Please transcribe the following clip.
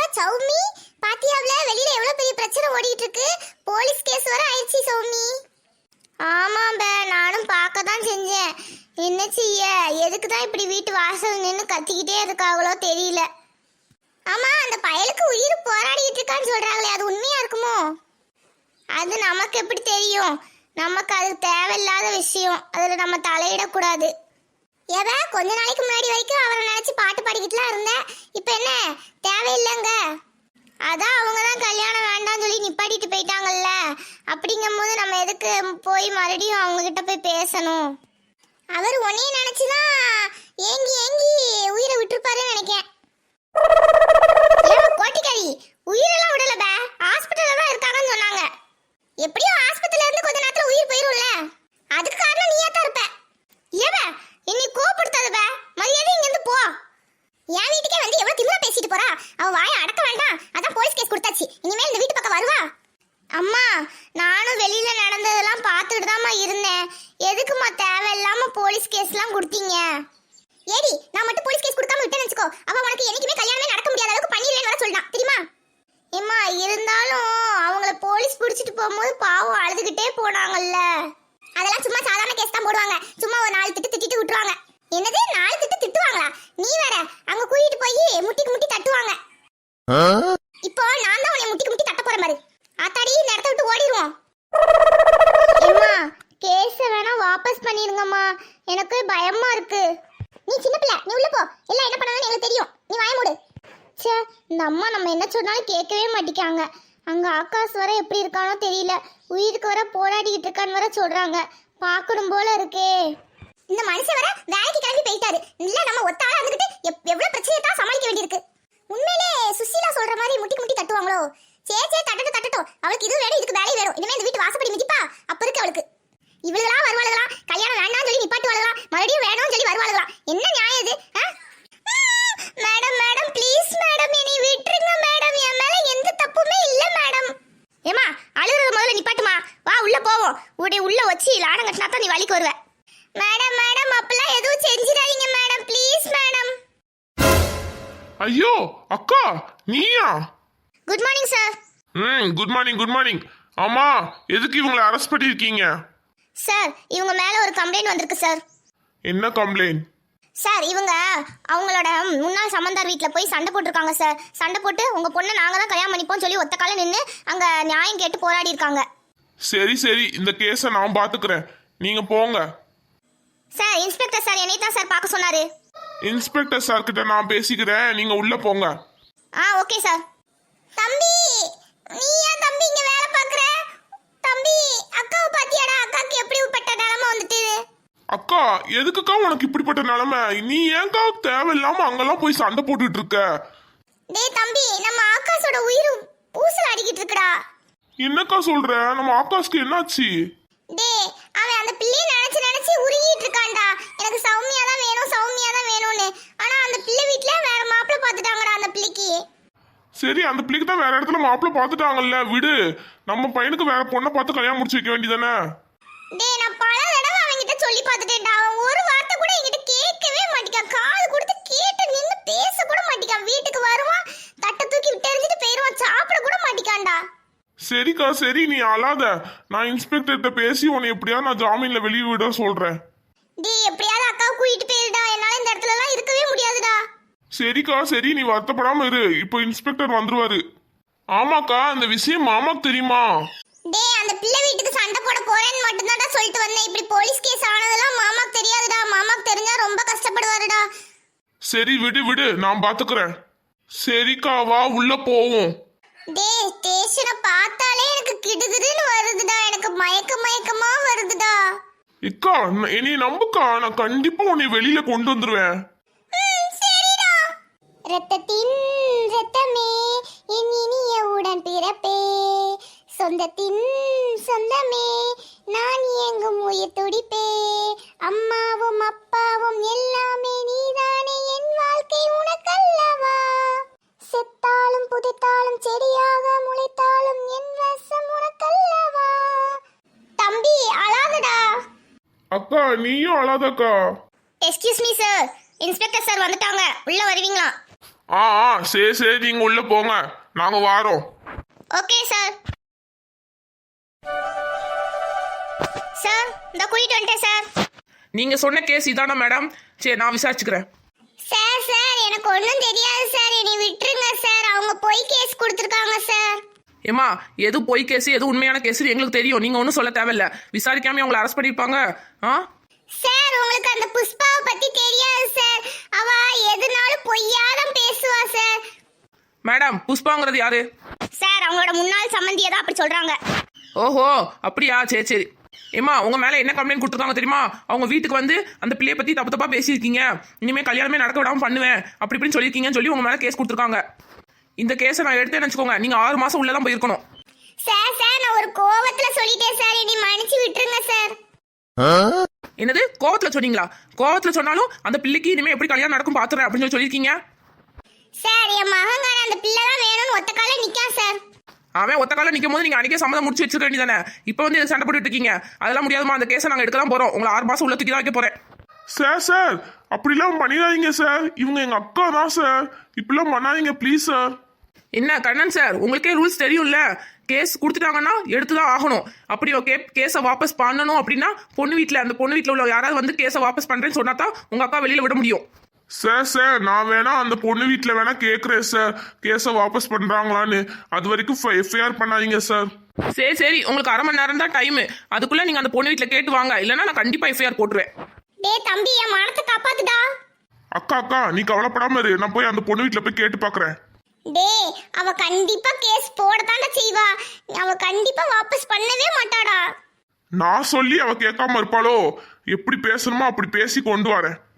சௌமி பாத்தியாவ்ல வெளியில எவ்வளவு பெரிய பிரச்சனை ஓடிட்டு இருக்கு. போலீஸ் கேஸ் வர ஆயிடுச்சு சௌமி. ஆமாம்ப, நானும் பார்க்க தான் செஞ்சேன். என்ன செய்ய, எதுக்கு தான் இப்படி வீட்டு வாசல் நின்று கத்திக்கிட்டே இருக்காங்களோ தெரியல. ஆமா, அந்த பயலுக்கு உயிர் போராடிட்டு இருக்கான்னு சொல்றாங்களே, அது உண்மையா இருக்குமோ? அது நமக்கு எப்படி தெரியும்? நமக்கு அது தேவையில்லாத விஷயம், அதுல நம்ம தலையிடக்கூடாது. ஏதா கொஞ்ச நாளைக்கு முன்னாடி வரைக்கும் அவரை நினைச்சு பாட்டு பாடிக்கிட்டுலாம் இருந்தேன். இப்ப என்ன தேவையில்லைங்க? அதான் அவங்க தான் கல்யாணம் வேண்டாம்னு சொல்லி நிப்பாட்டிட்டு போயிட்டாங்கல்ல. அப்படிங்கும் போது நம்ம எதுக்கு போய் மறுபடியும் அவங்க கிட்ட போய் பேசணும்? அவர் உன்னையே நினைச்சுதான் ஏங்கி ஏங்கி உயிரை விட்டுருப்பாருன்னு நினைக்கேன். கோட்டிக்காரி உயிரெல்லாம் விடல, ஹாஸ்பிட்டல்ல தான் இருக்காங்கன்னு சொன்னாங்க. எப்படியோ ஆஸ்பத்திரியில இருந்து கொஞ்ச நேரத்துல உயிர் போயிரும்ல, அதுக்கு காரணம் நீயா தான் இருப்ப. ஏவ என்னை கோபப்படுத்தாத, மரியாதை இங்க இருந்து போ. என் வீட்டுக்கே வந்து எவ்வளவு திமிரா பேசிட்டு போறா. அவ வாயை அடக்க வேண்டாம், அதான் போலீஸ் கேஸ் கொடுத்தாச்சு. இனிமேல் இந்த வீட்டு பக்கம் வருவா? அம்மா, நானும் வெளியில நடந்ததெல்லாம் பார்த்துட்டு தாம்மா இருந்தேன். எதுக்குமா தேவையில்லாம போலீஸ் கேஸ்லாம் கொடுத்தீங்க? ஏடி, நான் மட்டும் போலீஸ் கேஸ் கொடுக்காம விட்டேன்னு வச்சுக்கோ, அவ உனக்கு என்னைக்குமே கல்யாணமே நடக்க முடியாத அளவுக்கு பண்ணிடுவேன்னு வர சொல்றான் தெரியுமா? ஏம்மா, இருந்தாலும் அவங்கள போலீஸ் பிடிச்சிட்டு போகும்போது பாவம் அழுதுகிட்டே போனாங்கல்ல. அதெல்லாம் சும்மா சாதாரண கேஸ் தான் போடுவாங்க. சும்மா ஒரு 4 திட்டு திட்டிட்டு விட்டுருவாங்க. என்னது 4 திட்டு திட்டுவாங்களா? நீ வேற அங்க கூட்டிட்டு போய் முட்டிக்கு முட்டி தட்டுவாங்க. இப்போ நான் தான் உன்னை முட்டிக்கு முட்டி தட்ட போறேன் பாரு. ஆத்தாடி, இந்த இடத்த விட்டு ஓடிடுவோம். அம்மா, கேஸ வேணா வாபஸ் பண்ணிருங்கம்மா, எனக்கு பயமா இருக்கு. நீ சின்ன பிள்ளை, நீ உள்ள போ. எல்லாம் என்ன பண்ணணும்னு எனக்கு தெரியும், நீ வாய மூடு. ச்சே, இந்த அம்மா நம்ம என்ன சொன்னாலும் கேட்கவே மாட்டிக்காங்க. அங்க ஆகாஷ் வர எப்படி இருக்கானோ தெரியல, உயிருக்கு வர போராடிக்கிட்டு இருக்கான்னு வர சொல்றாங்க. பார்க்கணும் போல இருக்கே. இந்த மனுஷன் வர வேலைக்கு கிளம்பி போயிட்டாரு. இல்ல நம்ம ஒத்தாளா இருந்துகிட்டு எவ்வளவு பிரச்சனையை தான் சமாளிக்க வேண்டியிருக்கு. உண்மையிலே சுசீலா சொல்ற மாதிரி முட்டி முட்டி தட்டுவாங்களோ? சே தட்டட்டும். அவளுக்கு இது வேணும், இதுக்கு வேலை வேணும். இனிமே இந்த வீட்டு வாசப்படி மிதிப்பா. அப்ப இருக்கு அவளுக்கு. இவளுகளா வருவாளுகளா, கல்யாணம் வேண்டாம்னு சொல்லி நிப்பாட்டுவாளுகளா, மறுபடியும் வேணும்னு சொல்லி வருவாளுகளா? என்ன நியாயம் இது? மேடம் ப்ளீஸ் மேடம், என்னை விட்டுருங்க மேடம். என் மேல எந்த தப்புமே இல்ல மேடம். ஏமா, அழுகுறது முதல்ல நிப்பாட்டுமா. வா உள்ள போவோம். உள்ள வச்சு லாடம் கட்டினா தான் நீ வலிக்கு வருவ. மேடம் அப்பெல்லாம் எதுவும் செஞ்சிடாதீங்க மேடம், ப்ளீஸ் மேடம். ஐயோ அக்கா, நீயா? Good morning sir. Good morning. ஆமா, எதுக்கு இவங்களை அரெஸ்ட் பண்ணிருக்கீங்க? சார், இவங்க மேல ஒரு கம்ப்ளைண்ட் வந்திருக்கு சார். என்ன கம்ப்ளைண்ட்? சார், இவங்க அவங்களோட முன்னாள் சம்பந்தார் வீட்டில் போய் சண்டை போட்டிருக்காங்க சார். சண்டை போட்டு உங்க பொண்ணை நாங்க தான் கல்யாணம் பண்ணிப்போம் சொல்லி ஒத்த கால நின்று அங்க நியாயம் கேட்டு போராடி இருக்காங்க. சரி, இந்த கேஸை நான் பாத்துக்கிறேன், நீங்க போங்க. சார், இன்ஸ்பெக்டர் சார் என்னை தான் சார் பார்க்க சொன்னாரு. இன்ஸ்பெக்டர் சார் கிட்ட நான் பேசிக்கிறேன், நீங்க உள்ள போங்க. Okay sir. தம்பி, நீ ஏன் தம்பி இங்க வேலை பார்க்கற? தம்பி, அக்காவை பாத்தியாடா? அக்காக்கு எப்படிப்பட்ட நிலைமை வந்துட்டு? அக்கா, எதுக்குக்கா உனக்கு இப்படிப்பட்ட நிலைமை? நீ ஏன்க்கா தேவையில்லாம அங்கெல்லாம் போய் சண்டை போட்டுட்டு இருக்க? டேய் தம்பி, நம்ம ஆகாஷோட உயிர் ஊசல் அடிக்கிட்டு இருக்குடா. என்னக்கா சொல்ற? நம்ம ஆகாஷ்க்கு என்னாச்சு? டேய், அவன் அந்த பிள்ளையை நினைச்சு உருகிட்டு இருக்கான்டா. எனக்கு சௌமியா தான் வேணும்னு. ஆனா அந்த பிள்ளை வீட்ல வேற மாப்பிள்ளை பார்த்துட்டாங்கடா அந்த பிள்ளைக்கு. சரி, அந்த பிள்ளைக்கு தான் வேற இடத்துல மாப்பிள்ளை பார்த்துட்டாங்கல்ல, விடு. நம்ம பையனுக்கு வேற பொண்ணை பார்த்து கல்யாணம் முடிச்சு வைக்க வேண்டியதானே? டேய், நான் பல தடவை அவன்கிட்ட சொல்லி பார்த்துட்டேன்டா. அவன் ஒரு வார்த்தை கூட என்கிட்ட கேட்கவே மாட்டிக்கான். காது கொடுத்து கேட்டு நின்னு பேச கூட மாட்டிக்கான். வீட்டுக்கு வருவான், தட்டை தூக்கி விட்டு எறிஞ்சிட்டு போயிடுவான், சாப்பிட கூட மாட்டிக்கான்டா. சரிக்கா, சரி, நீ அழாத. நான் இன்ஸ்பெக்டர்கிட்ட பேசி உன்னை எப்படியாவது நான் ஜாமீன்ல வெளியே விட சொல்றேன். டேய், எப்படியாவது அக்காவை கூட்டிட்டு போயிருடா. என்னால இந்த இடத்துல எல்லாம் இருக்கவே முடியாதுடா. சரிக்கா, சரி, நீ வருத்தப்படாம இரு. இப்போ இன்ஸ்பெக்டர் வந்துருவாரு. ஆமாக்கா, இந்த விஷயம் மாமாக்கு தெரியுமா? டேய், அந்த பிள்ளை வீட்டுக்கு சண்டை போட போறேன்னு மட்டும்தான்டா சொல்லிட்டு வந்தேன். இப்படி போலீஸ் கேஸ் ஆனதெல்லாம் மாமாக்கு தெரியாதுடா. மாமாக்கு தெரிஞ்சா ரொம்ப கஷ்டப்படுவாருடா. சரி, விடு, நான் பாத்துக்கிறேன். சரிக்கா, வா உள்ள போவோம். டேய், ஸ்டேஷனை பார்த்தாலே எனக்கு கிடுகிடுன்னு வருதுடா. எனக்கு மயக்கமா வருதுடா. இக்கா, என்னை நம்புக்கா, நான் கண்டிப்பா உன்னை வெளியில கொண்டு வந்துருவேன். சரிடா. ரத்தத்தின் ரத்தமே, என் இனிய உடன் பிறப்பே, சொந்தத்தின் சொந்தமே, நான் எங்கும் உயிர் துடிப்பே, அம்மாவும் அப்பாவும் எல்லாமே நீதானே, என் வாழ்க்கை உனக்கல்லவா, செத்தாலும் புதைத்தாலும் செடியாக முளைத்தாலும் என் ரசம் உனக்கல்லவா. தம்பி, அழாதடா. அக்கா, நீயும் அழாதக்கா. Excuse me sir, inspector sir வந்துட்டாங்க, உள்ள வருவீங்களா? சரி சரி நீங்க உள்ள போங்க, நாங்க வாரோம். Okay sir. சார் இந்த கூட்டிட்டு வந்துட்டேன் சார். நீங்க சொன்ன கேஸ் இதானா மேடம்? சரி நான் விசாரிச்சுக்கிறேன். சார் சார் எனக்கு ஒன்றும் தெரியாது சார், என்னை விட்டுருங்க சார். அவங்க போய் கேஸ் கொடுத்துருக்காங்க சார். ஏமா எது பொய் கேஸ் எது உண்மையான கேஸ் எங்களுக்கு தெரியும், நீங்க ஒன்றும் சொல்ல தேவையில்ல. விசாரிக்காம உங்களை அரெஸ்ட் பண்ணிருப்பாங்க. சார் உங்களுக்கு அந்த புஷ்பாவை பத்தி தெரியாது சார், அவ எதுனாலும் பொய்யாதான் பேசுவா சார். மேடம் புஷ்பாங்கிறது யாரு? சார் அவங்களோட முன்னாள் சம்பந்தியை தான் அப்படி சொல்றாங்க. ஓஹோ அப்படியா, சரி சரி. ஏமா உங்க மேல என்ன கம்ப்ளைண்ட் கொடுத்துருக்காங்க தெரியுமா? அவங்க வீட்டுக்கு வந்து அந்த பிள்ளைய பத்தி தப்பு தப்பா பேசியிருக்கீங்க, இனிமே கல்யாணமே நடக்க விடாம பண்ணுவேன் அப்படி இப்படின்னு சொல்லியிருக்கீங்கன்னு சொல்லி உங்க மேல கேஸ் கொடுத்துருக்காங்க. இந்த கேஸை நான் எடுத்தேன்னு வச்சுக்கோங்க, நீங்க 6 மாசம் உள்ளதான் போயிருக்கணும். சார் சார் நான் ஒரு கோவத்துல சொல்லிட்டேன் சார், என்னை மன்னிச்சு விட்டுருங்க சார். என்னது கோவத்துல சொன்னீங்களா? கோவத்துல சொன்னாலும் அந்த பிள்ளைக்கு இனிமே எப்படி கல்யாணம் நடக்கும் பாத்துறேன் அப்படின்னு சொல்லி சொல்லியிருக்கீங்க. சார் என் மகங்கார அந்த பிள்ளை தான் வேணும்னு ஒத்த கால நிக்கா சார். அவன் ஒத்த காலம் நிற்கும் போது நீங்க அன்றைக்கே சம்மதம் முடிச்சு வச்சிருக்க வேண்டியதானே? இப்போ வந்து சண்டை போட்டுட்டு இருக்கீங்க, அதெல்லாம் முடியாதுமா. அந்த கேஸை நாங்கள் எடுக்க தான் போறோம். உங்களை 6 மாசம் உள்ள தூக்கி தான் வைக்க போறேன். சார் அப்படிலாம் பண்ணிடாதீங்க சார், இவங்க எங்க அக்கா தான் சார், இப்படிலாம் பண்ணாதீங்க ப்ளீஸ் சார். என்ன கண்ணன் சார், உங்களுக்கே ரூல்ஸ் தெரியும்ல, கேஸ் கொடுத்துட்டாங்கன்னா எடுத்து தான் ஆகணும். அப்படி ஓகே கேஸை வாபஸ் பண்ணணும் அப்படின்னா அந்த பொண்ணு வீட்டில் உள்ள யாராவது வந்து கேஸை வாபஸ் பண்றேன்னு சொன்னா தான் உங்க அக்கா வெளியில விட முடியும். சார் நான் வேணா அந்த பொண்ணு வீட்டில் வேணா கேட்குறேன் சார், கேஸை வாபஸ் பண்ணுறாங்களான்னு. அது வரைக்கும் எஃப்ஐஆர் பண்ணாதீங்க சார். சரி சரி, உங்களுக்கு 1/2 மணி நேரம் தான் டைம், அதுக்குள்ள நீங்க அந்த பொண்ணு வீட்டில் கேட்டு வாங்க, இல்லைன்னா நான் கண்டிப்பா எஃப்ஐஆர் போட்டுருவேன். டேய் தம்பி என் மானத்தை காப்பாத்துடா. அக்கா நீ கவலைப்படாம இரு, நான் போய் அந்த பொண்ணு வீட்டில் போய் கேட்டு பார்க்குறேன். டேய் அவ கண்டிப்பா கேஸ் போடத்தாண்டா செய்வா, அவ கண்டிப்பா வாபஸ் பண்ணவே மாட்டாடா. நான் சொல்லி அவ கேட்காம இருப்பாளோ? எப்படி பேசணுமோ அப்படி பேசி கொண்டு வரேன்.